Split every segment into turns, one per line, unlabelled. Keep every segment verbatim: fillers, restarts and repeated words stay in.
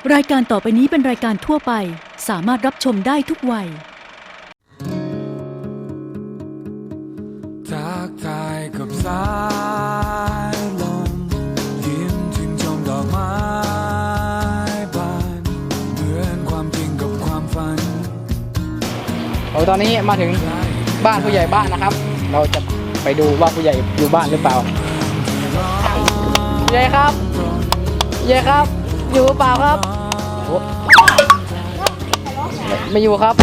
รายการต่อไปนี้เป็นรายการทั่วไปสามารถรับชมได้ทุกวัย
ทักทายกับสายลมยิ้มชื่นชมดอกไม้บานเหมือนความจริงกับความฝัน
โอ้ตอนนี้มาถึงบ้านผู้ใหญ่บ้านนะครับเราจะไปดูว่าผู้ใหญ่อยู่บ้านหรือเปล่าผู้ใหญ่ครับผู้ใหญ่ครับอยู่หรือเปล่าครับไม่อยู่ครับ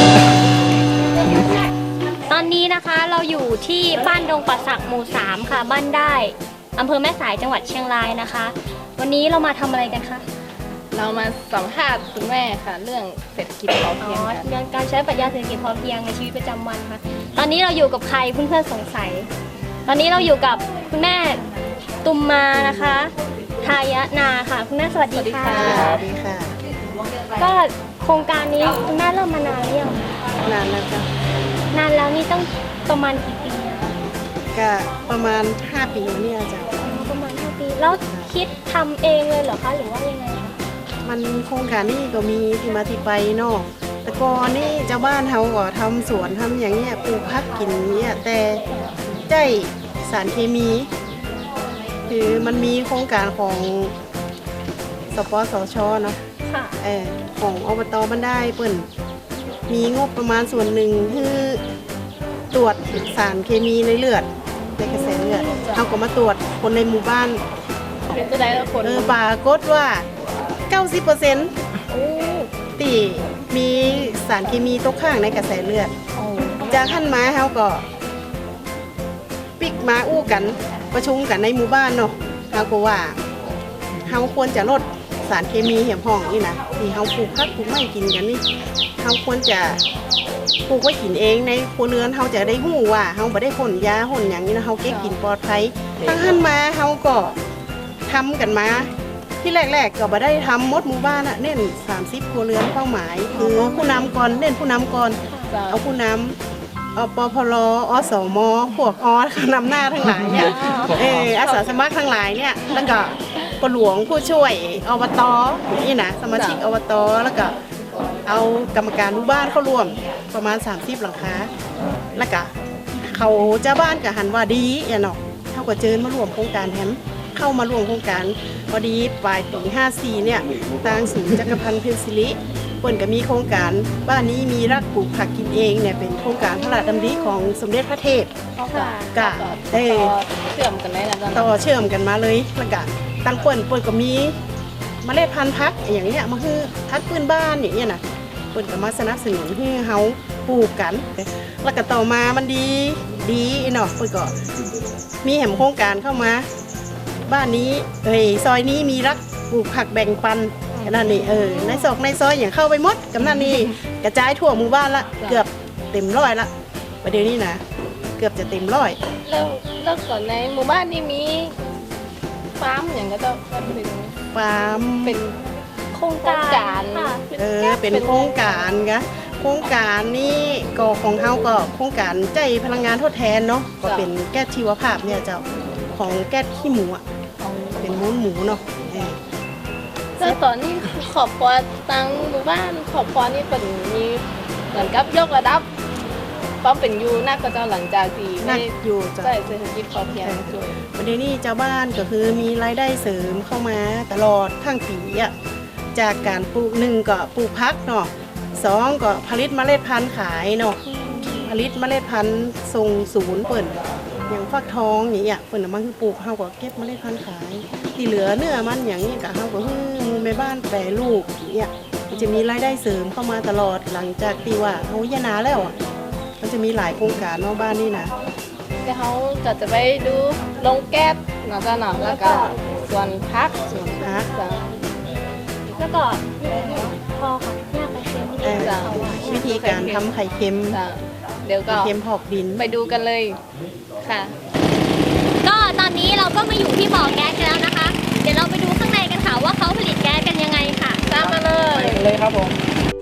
ตอนนี้นะคะเราอยู่ที่บ้านดงป่าสักหมู่สามค่ะบ้านได้อำเภอแม่สายจังหวัดเชียงรายนะคะวันนี้เรามาทำอะไรกันคะ
เรามาสัมภาษณ์คุณแม่ค่ะเรื่องเศรษฐกิจพอเพียงค่ะ
เรื่องการใช้ปรัชญาเศรษฐกิจพอเพียงในชีวิตประจำวันค่ะตอนนี้เราอยู่กับใครเพื่อนๆสงสัยตอนนี้เราอยู่กับคุณแม่ตุมมานะคะทายะนาค่ะคุณแม่สวัสดีค่ะ
สวัสดีค่ะ
ก็โครงการนี้คุณแม่เริ่มมานานหรือยัง
นานแล้วจ้ะ
นานแล้วนี่ต้องประมาณกี่ปี
ก็ประมาณห้าปีนี่จ้ะ
ประมาณห้าปีแล้วคิดทำเองเลยเหรอคะหรือว่ายังไงคะ
มันโครงการนี้ก็มีที่มาที่ไปเนาะแต่ก่อนนี่เจ้าบ้านเขาก็ทำสวนทำอย่างเงี้ยปลูกผักกินเนี่ยแต่ใจสารเคมีคือมันมีโครงการของสปสชเนาะเออของอบตบ้านได้เปิ่นมีงบประมาณส่วนหนึ่งคือตรวจสารเคมีในเลือดในกระแสเลือดเขาก็มาตรวจคนในหมู่บ้าน
เป็นจะได้คน
เออปรากฏว่า เก้าสิบเปอร์เซ็นต์ ตีมีสารเคมีตกค้างในกระแสเลือดจากขั้นมาเขาก็ปิกมาอู้กันประชุมกันในหมู่บ้านเนาะเขาก็ว่าเขาควรจะลดสารเคมีเหี่ยมห้องนี่นะที่เขาปลูกผักปลูกไม้กินกันนี่เขาควรจะปลูกไว้กินเองในครัวเรือนเขาจะได้หู้ว่าเขาไม่ได้พ่นยาพ่นอย่างนี้นะเขาเก็บกินปลอดภัยตั้งขั้นมาเขาก็ทำกันมาที่แรกๆก็ไม่ได้ทำมดหมู่บ้านอะเน้นสามสิบครัวเรือนเป้าหมายคือผู้นำก่อนเน้นผู้นำก่อนเอาผู้นำเอาปพลอสมพวกออนำหน้าทั้งหลายเนี่ยเอออาสาสมัครทั้งหลายเนี่ยแล้วก็ปหลวงผู้ช่วยอบตนี่นะสมาชิกอบตแล้วก็เอากรรมการหมู่บ้านเข้าร่วมประมาณสามสิบหลังคาแล้วก็เขาเจ้าบ้านกับหันว่าดีอย่าหนอกเท่ากับเจิญมาร่วมโครงการแฮมเข้ามาร่วมโครงการพอดีปลายปีห้าสี่เนี่ยทางศูนย์จักรพันธ์เพนซิลิเปิ่นก็มีโครงการบ้านนี้มีรักปลูกผักกินเองเนี่ยเป็นโครงการพระราชดำริของสมเด็จพระเทพกะเออเชื่อมกันได้นะ
ต่
อ
เ
ชื่
อ
ม
กันมาเลยแล้วก็ตั้งเปิ่นเปิ่นก็มีเมล็ดพันธุ์ผักอย่างเงี้ยมาคือพักพื้นบ้านอย่างเงี้ยนะเปิ่นก็มาสนับสนุนให้เฮาปลูกกันแล้วก็ต่อมามันดีดีเนาะเปิ่นก็มีแหมโครงการเข้ามาบ้านนี้เอ้ยซอยนี้มีรักปลูกผักแบ่งปันนั่นนี่เออในซอกในซอยอย่างเข้าไปหมดกำนันนี่กระจายทั่วหมู่บ้านละเกือบเต็มร้อยละประเดี๋ยวนี้นะเกือบจะเต็มร้อย
แล้วแล้วก่อนในหมู่บ้านนี่มีฟาร์มอย่างก็ต้องเป็น
ฟาร์ม
เป็น
โครงการ
เอ
อเป็นโครงการกะโครงการนี้ก็ของเฮาก็โครงการใจพลังงานทดแทนเนาะก็เป็นแก๊สชีวภาพเนี่ยเจ้าของแก๊สขี้หมูอ่ะเป็นมูลหมูเนาะ
แล้วตอนนี้ขอบครัวตั้งหมู่บ้านขอบครัวนี่เป็นมีเหมือนกับยกระดับป้อมเป็นยูนักก็จะหลังจากที่
นักอยู่
ใช่เศรษฐกิจพอเพียงด้วย
ประเด็นนี้เจ้าบ้านก็คือมีรายได้เสริมเข้ามาตลอดทั้งปีอ่ะจากการปลูกหนึ่งก็ปลูกพักเนาะสองก็ผลิตเมล็ดพันธุ์ขายเนาะผลิตเมล็ดพันธุ์ส่งศูนย์เปิ่นอย่างฟักทองอย่างเงี้ยเปิ่นมันคือปลูกเฮาก็เก็บเมล็ดพันธุ์ขายที่เหลือเนื้อมันอย่างนี้ก็เฮาก็คือมูลแม่บ้านแปรรูปเนี่ยมันจะมีรายได้เสริมเข้ามาตลอดหลังจากที่ว่าเฮายะนาแล้วอ่ะมันจะมีหลายโครงการนอกบ้านนี่นะ
แต่เขาก็จะไปดูลงแก๊สเนาะจ้ะเนาะแล้วก็ส่วนพัก
ส่วนพักแล้วก็พอค่ะยากไปเค็มวิธีการทำไข่เค็ม
เดี๋ยวก็
เค็มพอกดิน
ไปดูกันเลยค่ะ
ก็ตอนนี้เราก็มาอยู่ที่บ่อแก๊สกันแล้วนะคะเดี๋ยวเราไปดูข้างในกันค่ะว่าเขาผลิตแก๊สกันยังไงค่ะตามมาเลย
ไปเลยครับผม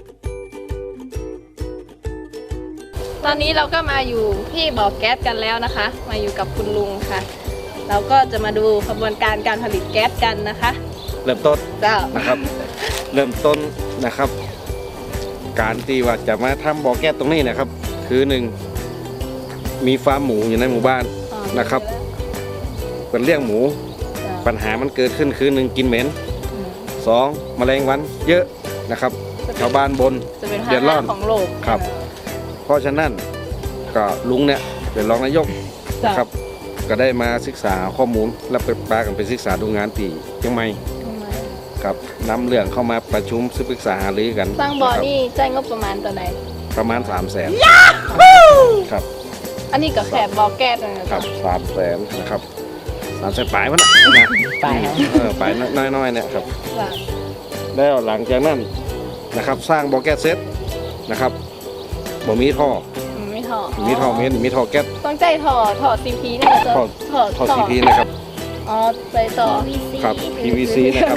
ตอนนี้เราก็มาอยู่ที่บ่อแก๊สกันแล้วนะคะมาอยู่กับคุณลุงค่ะเราก็จะมาดูกระบวนการการผลิตแก๊สกันนะคะ
เริ่มต้น
เจ้า
นะครับ เริ่มต้นนะครับ การที่ว่าจะมาทำบ่อแก๊สตรงนี้นะครับ คือหนึ่งมีฟาร์มหมูอยู่ในหมู่บ้านนะครับเป็นเลี้ยงหมู ปัญหามันเกิดขึ้นคือหนึ่งกินเหม็นสองแมลงวันเยอะนะครับชาวบ้านบน
จะเป็น
เดือดร้
ภา
อน
ระของโลก
ครับ เพราะฉะนั้นก็ลุงเนี่ยเป็นรองนายก
จ้ะ
นะครับ ก็ได้มาศึกษาข้อมูลและไปปากันไปศึกษาดูงานที่เชียงใหม่ครับนำเรื่องเข้ามาประชุมศึกษาหารือกัน
สร้างบ่อ
นะครับ
นี่จ่ายงบประมาณตัวไหน
ประมาณสามแสนครับ
อันนี้ก็แค่บ่อแก๊สนะ
ครั
จ๊ะ
บสามแสนนะครับสามแสนปลายมันนะนะ
ปลายครับ
เออปลายน้อยๆเนี่ยครับ
จ้ะ
แล้วหลังจากนั้นนะครับสร้างบ่อแก๊สเสร็จนะครับบ่มีท่อ
อืมไม่ถอด
มีท่อเมนมีท่อแก๊ส
ต้องใจถอดถอดซีพีเนี่ยจะ
ท่อ
ถอด
ท่อซีพีนะครับ
อ๋อใจต่อ
ครับ พี วี ซี นะครับ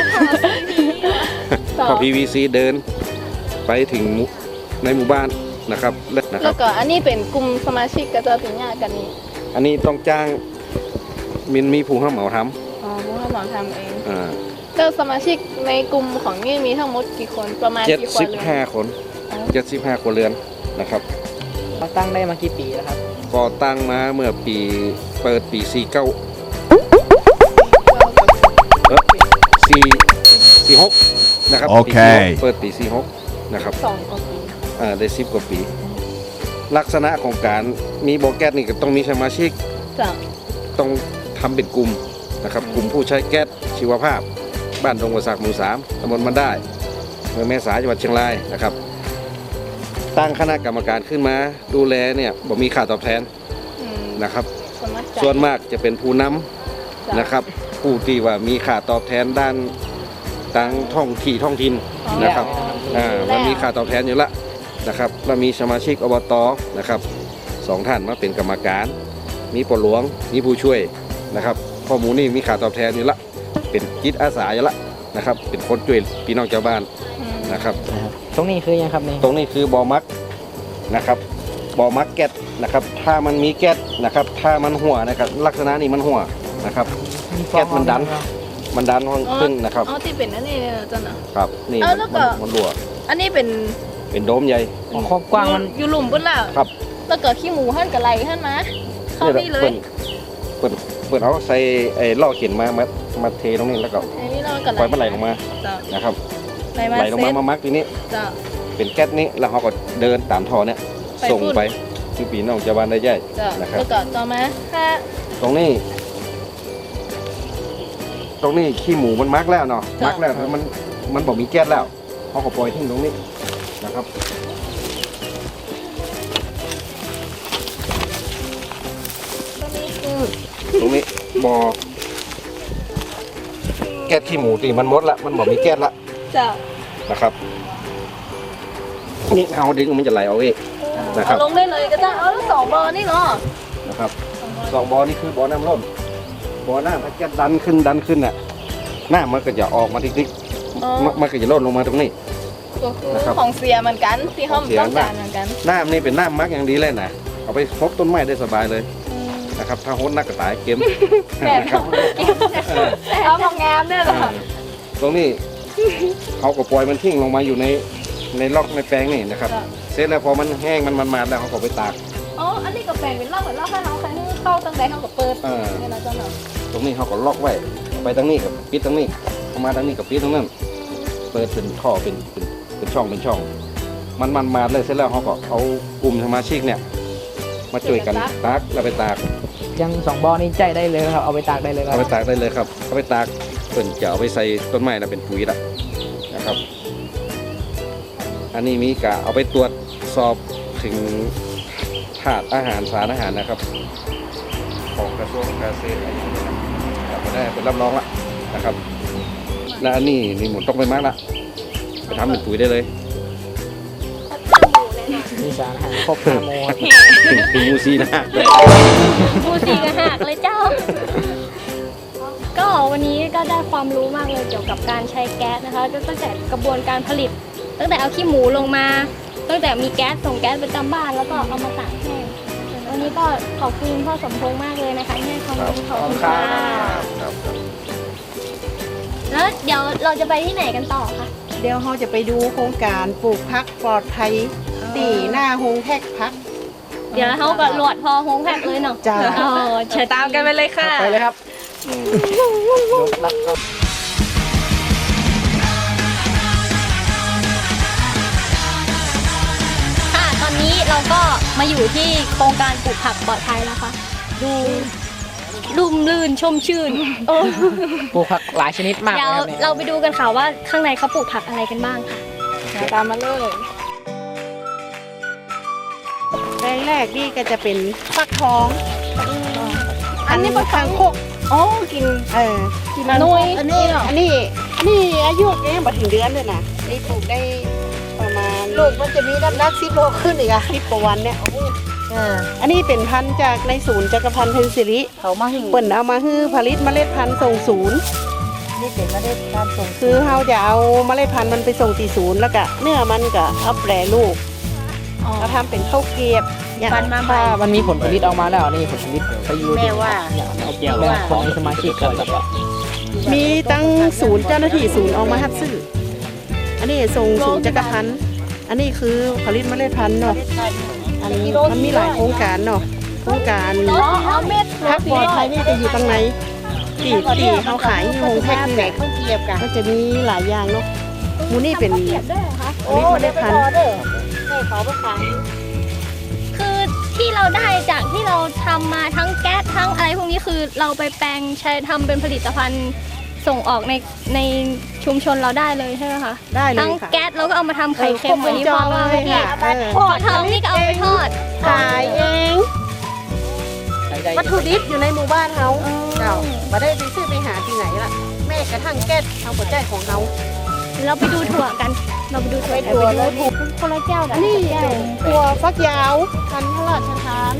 ต่อ
ท่อ พี วี ซี เดินไปถึงหมู่ในหมู่บ้านนะครับและนะค
แล้
รับ
วก็อันนี้เป็นกลุ่มสมาชิกก็จะถึงญาติกันนี่
อันนี้ต้องจ้างมินมีผู้รับเหมาท
อ๋อพวกเราหมอทำเอง
ำอ่า
แล้วสมาชิกในกลุ่มของนี่มีทั้งหมดกี่คนประมาณ
เจ็ด
กี่คน
สิบ
เลย
ห้าคน
อ๋อ
เจ็ดสิบห้าครัวเรือนนะครับ
เราตั้งได้มากี่ปีแล้วครับ
ก่อตั้งมาเมื่อปีเปิดปีสี่เก้าเออสี่สี่หกนะครับ
โอเค
ปีสี่หกเปิดปีสี่หกนะครับ
สองกว่าปี
อ่าได้สิบกว่าปี ลักษณะของการมีบ่อแก๊สนี่ก็ต้องมีสมาชิก
จ้ะ
ต้องทำเป็นกลุ่มนะครับ กลุ่มผู้ใช้แก๊สชีวภาพ บ้านดงกระสักหมู่สามตำบลมันได้เมืองแม่สายจังหวัดเชียงรายนะครับ ตั้งคณะกรรมการขึ้นมาดูแลเนี่ยบ่มีค่าตอบแทน
อืม
นะครับ
สมัครใจ
ส่วนมากจะเป็นผู้นำ
จ้ะ
นะครับ ผู้ที่ว่ามีค่าตอบแทนด้านต่างท้องที่ท้องถิ่น
อ๋อ
นะครับ อ่า
แล้ว
มันมีค่าตอบแทนอยู่ละนะครับแล้วมีสมาชิกอบตนะครับสองท่านมาเป็นกรรมการ มีปลหลวงมีผู้ช่วยนะครับข้อมูลนี่มีค่าตอบแทนอยู่ละเป็นจิตอาสาอยู่ละนะครับ เป็นคนช่วยพี่น้องชาวบ้าน
อืม
นะครับ
ตรงนี้คือยังครับนี่
ตรงนี้คือบ่อมักนะครับบ่อมักแก๊สนะครับ ถ้ามันมีแก๊สนะครับ ถ้ามันหัวนะครับลักษณะนี้มันหัวนะครับ แก๊สมันดัน มันดันขึ้นนะครับ
อ๋อที่เป็นอันนี้เนี่ยจ้ะนะครับ
นี่
เอา
มัน
แล้วก็
มันรั่ว
อันนี้เป็น
เป็นโดมใหญ่
ครอบกว้างมัน
อยู่หลุมปุ๊บแล้ว
ครับ
แล้วก็ขี้หมูหั่นกับไหลหั่นมาเข้านี่เลย
เปิดเปิดเอาใส่ไอ้ล่อเข็นมามามาเทตรงนี้แล้วก็
อันนี้เรากับ
ปล่อยมันไหลลงมา
จ้ะ
นะครับ
ไหลมา
ไหลลง
เซ็
มา
ต
มามักทีนี้
จ้ะ
เป็นแก๊สนี้แล้วเขาก็เดินตามท่อเนี่ย
ไป
ส่ง
พุ่น
ไปที่ปีน้องชาวบ้านได้ย่อย
จ้ะ
นะครับ
แล้วก็ต่อมาถ้า
ตรงนี้ ตรงนี้ขี้หมูมันมักแล้วเนาะมักแล้วแต่มันมันบอกมีแก๊สแล้วเขาก็ปล่อยทิ้งตรงนี้นะครับ
ตรงนี้คือ
ตรงนี้บ่อแก๊สขี้หมูตีมันหมดละมันบอกมีแก๊สละ
จ้ะ
นะครับนี่เอาดึงมันจะไหลเอาเองนะครับ
เอาลงได้เลยก็ได้เอาแล้วสองเบอร์นี่เนาะ
นะครับสองบ่อนี่คือบ่อน้ำล้นบ่อน้ำถ้าแก๊สดันขึ้นดันขึ้นน่ะน้ำมันก็จะออกมาทิก
อ๋อ
ๆมันมันก็จะล้นลงมาตรงนี้
ก็คือ
นะครับ
ของเสียเหมือนกันที่เขา
ของเสีย
ต้องการเหมือนกัน
น้ำนี่เป็นน้ำมักอย่างดีเลยนะเอาไปพบต้นไม้ได้สบายเลย
อืม
นะครับ ถ้าโหดนักก็ตายเกม
แต่
นะครับ
เอาของงามด้วยเหรอ
ตรงนี้เขาก็ปล่อยมันทิ้งลงมาอยู่ในในล็อกในแปลงนี่นะครับ
จ้ะ
เสร็จแล้วพอมันแห้งมันมันมาแล้วเขาก็ไปตาก
อ๋ออันนี้ก็แปลงเป็นรอบเหมือนรอบให้เราใครให้เข้าตั้งแต่เขาก็เปิด
เออ
เนี่ยนะเจ้าหน่อย
ตรงนี้เขาก็ล็อกไว้ไปทางนี้กับปิดทางนี้เข้ามาทางนี้กับปิดทางนั้นเปิดเป็นท่อเป็นเป็นเป็นช่องเป็นช่อง มันมันมาเลยเสร็จแล้วเขาก็เอากลุ่มสมาชิกเนี่ย มาช่วยกันตากแล้วไปตาก
ยังสองบ่อนี่ใจได้เลยครับ เอาไปตากได้เลยครั
เอา
บ
ไปตากได้เลยครับเอาไปตากเปิ่นจะเอาไปใส่ต้นไม้แล้วเป็นปุ๋ยละนะครับ อันนี้มีกะเอาไปตรวจสอบถึงถาดอาหารสารอาหารนะครับ ของกระทรวงเกษตรอะไรอย่างเงี้ยนะครับก็ได้เป็นรับรองละนะครับ และอันนี้นี่หมุนต้องไปมากละไปทำเป็นปุ๋ยได้เลย
มีสารอาหารครบห้าโมงครับ
ถึงถึงมูซีนะ
บูซีกันหักเลยเจ้า ก็วันนี้ก็ได้ความรู้มากเลยเกี่ยวกับการใช้แก๊สนะคะก็ตั้งแต่กระบวนการผลิต ตั้งแต่เอาขี้หมูลงมา ตั้งแต่มีแก๊สส่งแก๊สประจำบ้านแล้วก็เอามาตากแห้งวันนี้ก็ขอบคุณพ่อสมพงษ์มากเลยนะคะที่ให้ความรู้ขอบคุณค่ะ
ครับ
แล้วเดี๋ยวเราจะไปที่ไหนกันต่อคะ
เดี๋ยวเราจะไปดูโครงการปลูกพักปลอดภัยตีหน้าโฮงแทกพัก
เดี๋ยวเขาก็โหลดพอโฮงแพ็กเลยเนาะ
จ้า
เออเชิญ
ตามกันไปเลยค่ะ
ไปเลยครับรับครับ
ค่ะตอนนี้เราก็มาอยู่ที่โครงการปลูกผักปลอดภัยแล้วค่ะ ดูลุ่มลื่นชุ่มชื่นเออ
ปลูกผักหลายชนิดมาก
เดี๋ยว
นะครับเนี่ย
เราไปดูกันค่ะว่าข้างในเขาปลูกผักอะไรกันบ้างค่ะ
ตามมาเลย
แปลงแรกนี่ก็จะเป็นฟักทอง อันนี้ฟักทองโคก
อ๋อ กิน
เออ
กินนุ้ยอันนี้เหรอ
อันนี้อันนี้อายุยังบ่ถึงเดือนเลยนะนี่ปลูกได้ประมาณ
ลูกมันจะมีน้ำหนักสิบโลขึ้นอีกอะ
สิบกว่าวันเนี่ย
อ่า
อันนี้เป็นพันธุ์จากในศูนย์จักรพันธ์เพนซิลิ
เขามาหิ่ง
เปิ่นเอามาฮื้อผลิตเมล็ดพันธุ์ส่งศูนย์
นี่เป็นเมล็ดการส่ง
คือเราจะเอาเมล็ดพันธุ์มันไปส่งที่ศูนย์แล้วก็เนื้อมันก็เอาแปรรูปเราทำเป็นข้าวเกรียบเนี่ย
ปันมาใหม่
ถ้ามันมีผลผลิตออกมาแล้วนี่ผลผลิตไปอยู่
แม่ว่า
เอาเกี่ยวแม่คนในสมาชิกก่อน
มีตั้งศูนย์เจ้าหน้าที่ศูนย์ออกมาฮับซื้ออันนี้ส่งศูนย์จักรพันธ์อันนี้คือผลิตเมล็ดพันธุ์เนาะอันนี้มันมีหลายโครงการเนาะโครงการ
อ๋ออ๋อเม็ด
พักปลอดภัยนี่จะอยู่ตรงไหนตีตีเขาขายที่โฮงแพ็คนี่แหละ
ข้าวเกรียบกัน
ก็จะมีหลายอย่างเนาะหมูนี่เป็น
เก็บด้วยเหรอคะ
ผลิตเมล็ดพันธุ์
เด้อให้เขาไปขาย
คือที่เราได้จากที่เราทำมาทั้งแก๊สทั้งอะไรพวกนี้คือเราไปแปลงใช้ทำเป็นผลิตภัณฑ์ส่งออกในในชุมชนเราได้เลยใช่ไหมคะ
ได้เล
ทั้ง
ยค่ะ
แก๊สแล้วก็เอามาทำไข่เค็มอันนี้พอว่า
เลย
พี่
ค่ะเออ
พอทำนี่ก็เอาไปทอด
ขายเอง วัตถุดิบอยู่ในหมู่บ้านเขาเจ้ามาได้ไปซื้อไปหาที่ไหนล่ะ แม่กระทั่งแก๊สเอาหัวใจของเขา
เราไปดูถั่วกัน เราไปดูถั่ว
ไปดูเลย
คนละแก้วกั
อันนี้เป็นตัวฟักยาวพันธุ์พระราชทาน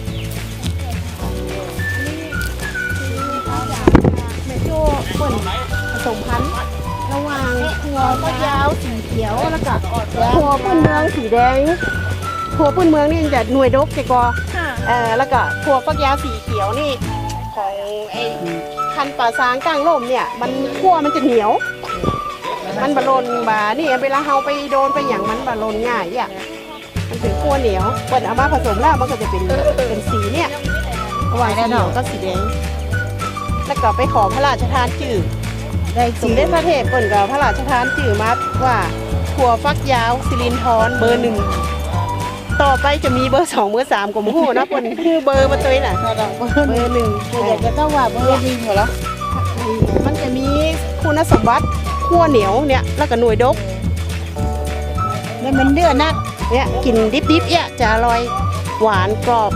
แม่โจ้เปิ่นผสมพันธุ์ระหว่างถั่วฟักยาวสีเขียวแล้วก็ถั่วพื้นเมืองสีแดงถั่วพื้นเมืองนี่จะหน่วยดกเจกอ
ค่ะ
เออแล้วก็ถั่วฟักยาวสีเขียวนี่ของไอ้พันธุ์ป่าซางก้างร่มเนี่ยมันขั้วมันจะเหนียว มันบะลนบานี่เวลาเฮาไปโดนไปอย่างมันบะลนง่ายอ่ะมันถึงขั้วเหนียวเปิดเอามาผสมแล้วมันก็จะเป็นเป็นสีเนี่ยระหว่างสีเหนียวก็สีแดงแล้วก็ไปขอพระราชทานจื่อ
ได้
ส
จริ
ม
ง
เด็จพระเทพเปิ่นกับพระราชทานจื่อมาว่าถั่วฟักยาวสิรินทรเบอร์หนึ่งต่อไปจะมีเบอร์สองเบอร์สามกว่าหมู่นะเปิ่นคือเบอร์มาตัวนี้น่ะ
ถ้าเรา
เบอร์หนึ่ง
อยากจะต้องว่าเบอร์ดีเหรอ
มันจะมีคุณสมบัติขั้วเหนียวเนี่ยแล้วก็หน่วยดก
แล้วมันเดือดนัก
เนี่ยกินดิบๆเนี่ยจะอร่อยหวานกรอบ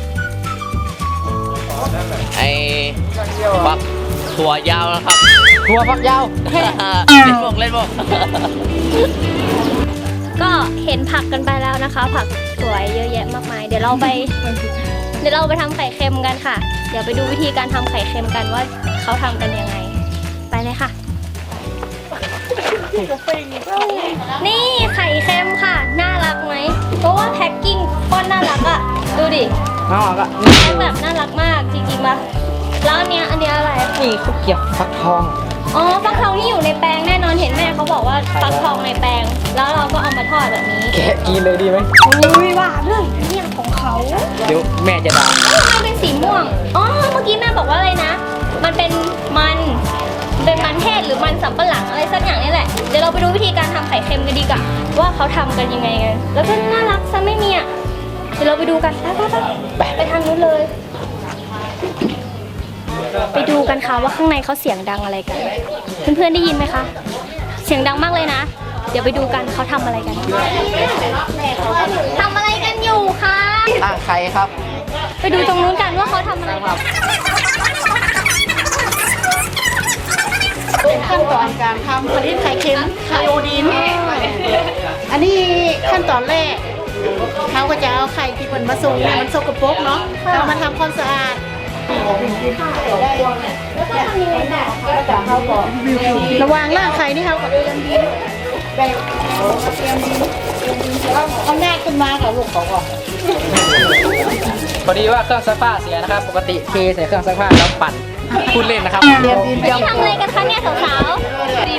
ไอ้ฟักถั่วยาวนะครับ
ถั่วฝักยาว
เล่นพวกเล่นพวก
ก็เห็นผักกันไปแล้วนะคะ ผักสวยเยอะแยะมากมาย เดี๋ยวเราไป เดี๋ยวเราไปทำไข่เค็มกันค่ะ เดี๋ยวไปดูวิธีการทำไข่เค็มกันว่าเขาทำกันยังไง ไปเลยค่ะ นี่ไข่เค็มค่ะ น่ารักไหม เพราะว่าแพ็กกิ้งก้อนน่ารักอะดูดิ
เอาอ่ะก็
แพ็กแบบน่ารักมากจริงๆมาแล้วอันเนี้ยอันเนี้ยอะไร
นี่ข้าวเกรียบฟักทอง
อ๋อฟักทองที่อยู่ในแปลงแน่นอนเห็นแม่เขาบอกว่าฟักทองในแปลง แล้วเราก็เอามาทอดแบบนี้
แกะกินเลยดีไหม
อุ้ยว่าเรื่องเนี่ยของเขา
เดี๋ยวแม่จะด่า
เอ้าทำไมเป็นสีม่วง อ๋อ เมื่อกี้แม่บอกว่าอะไรนะ มันเป็นมัน เป็นมันเทศหรือมันสำปะหลังอะไรสักอย่างนี่แหละ เดี๋ยวเราไปดูวิธีการทำไข่เค็มกันดีกว่าว่าเขาทำกันยังไงกัน แล้วก็น่ารักซะไม่มีอ่ะ เดี๋ยวเราไปดูกันไปไปไปไปทางนู้นเลย ไปดูกันค่ะว่าข้างในเขาเสียงดังอะไรกัน เพื่อนๆได้ยินไหมคะ เสียงดังมากเลยนะ เดี๋ยวไปดูกันเขาทำอะไรกันทำอะไรกันอยู่คะ
ตั้งไข่ครับ
ไปดูตรงนู้นกันว่าเขาทำอะไรกัน
เป็นขั้นตอนการทำผลิตไข่เค็มไข่โอดิน อันนี้ขั้นตอนแรกเขาก็จะเอาไข่ที่เปิ่นมาส่งเนี่ยมันสกปรกเนาะเรามาทำความสะอาด
แล้วก็ทำยังไงต่อคะ
แล้วก็เขาก็ระหว่างล่างไข่นี่เขาก็เตรียมดินแบบเตรียมดินเอาเอาหน้าขึ้นมากับลูกเขาก่อน
พอดีว่าเครื่องซักผ้าเสียนะครับ ปกติเทใส่เครื่องซักผ้าแล้วปั่นพูดเล่นนะครับ
เตรียมดินเตรียม
นี่ทำอะไรกันคะเนี่ยสาว
เตรี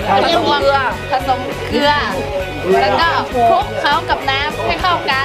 ผสมเกลือผสมเกลือ แล้วก็คลุกเขากับน้ำให้เข้ากัน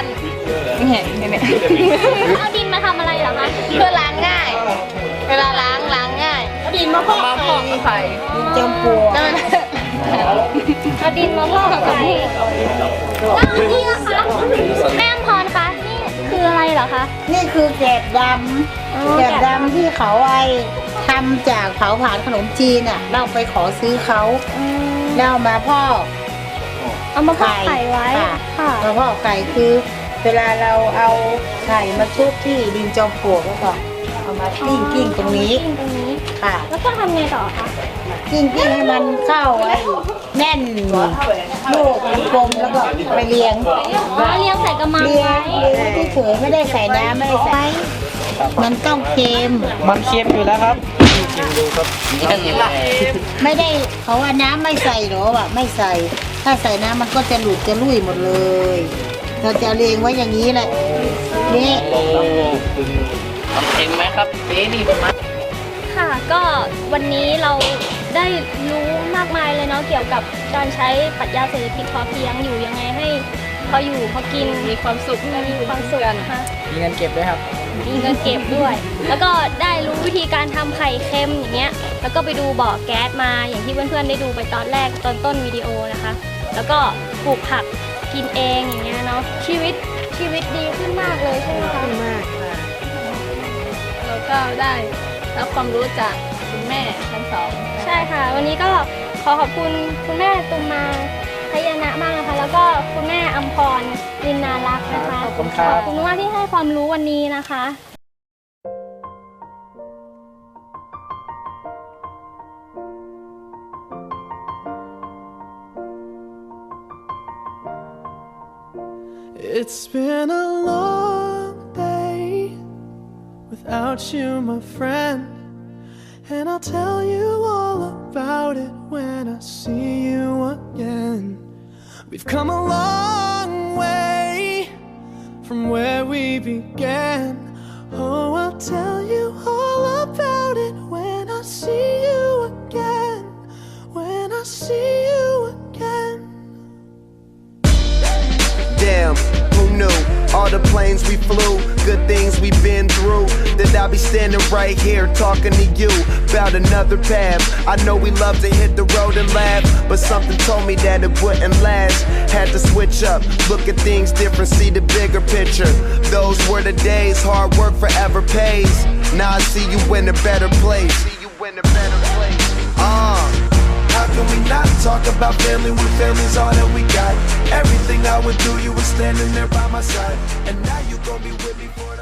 เอาดินมาทำอะไรเหรอคะ
เพื่อล้างง่าย เวลาล้างล้างง่าย
ดินมะพร้าว
มาพอกไข่
จำปัว
นั่น
เอาดินมาพอกไข่แล้วอันนี้นะคะแม่อำพรคะนี่คืออะไรเหรอคะ
นี่คือแกบด
อ๋อ
ำแกบดำที่เขาไอ้ทำจากเผาผลาญขนมจีนอ่ะ เราไปขอซื้อเขา
อืม
แล้วเอามาพอก
เอามาพอกไข่ไว้
ค่ะ
ค่ะ
มาพอกไก่คือ เวลาเราเอาไข่มาชุบที่ดินจอมปลวกแล้วก็เอามากิ้งกิ้งตรงนี้
กิ้งตรงนี้
ค่ะ
แล้วก็ทำไงต่อคะ
กิ้งกิ้งให้มันเข้าไอ้แน่นลูกกลมแล้วก็ไปเลี้ยง
อ๋อเลี้ยงใส่กระมัง
เลี้ย
ไว้
งเลี้ยงเฉยๆไม่ได้ใส่น้ำไม่ได้ใส่มันต้องเค็ม
มันเค็มอยู่แล้วครับ
ไม่ได้เขาว่าน้ำไม่ใส่หรอวะไม่ใส่ ถ้าใส่น้ำมันก็จะหลุดจะลุ่ยหมดเลย เราจะเรียงไว้อย่างนี้แหละนี่
ทำเค็มไหมครับเจ๊นี่ผมมา
ค่ะ ก็วันนี้เราได้รู้มากมายเลยเนาะเกี่ยวกับการใช้ปรัชญาเศรษฐกิจพอเพียงอยู่ยังไงให้พออยู่พอกินมีความสุขมีความสุขนะคะ
มีเงินเก็บด้วยครับ
มีเงินเก็บด้วย แล้วก็ได้รู้วิธีการทำไข่เค็มอย่างเงี้ย แล้วก็ไปดูบ่อแก๊สมาอย่างที่เพื่อนๆได้ดูไปตอนแรกตอนต้นวิดีโอนะคะ แล้วก็ปลูกผักกินเองอย่างเงี้ยเนาะ ชีวิตชีวิตดีขึ้นมากเลยใช่ไหมคะ
มากค่ะ แล้วก็ได้รับความรู้จากคุณแม่ทั้งสอง
ใช่ค่ะ วันนี้ก็ขอขอบคุณคุณแม่ตุมมาพยานะมากนะคะ แล้วก็คุณแม่อัมพรลินนารักษ์นะคะ
ขอบคุณครับ
ขอบคุณมากที่ให้ความรู้วันนี้นะคะ
It's been a long day without you, my friend. And I'll tell you all about it when I see you again. We've come a long way from where we began. Oh, I'll tell you all about it when I see you again. When I see you again.
Damn, who knew? All the planes we flew, good things we've been through. That I'll be standing right here talking to you about another path. I know we love to hit the road and laugh, but something told me that it wouldn't last. Had to switch up, look at things different, see the bigger picture. Those were the days, hard work forever pays. Now I see you in a better place. See you in a better place. Uh. How can we not talk about family when family's all that we got? Everything I would do, you were standing there by my side. And now you gon' be with me for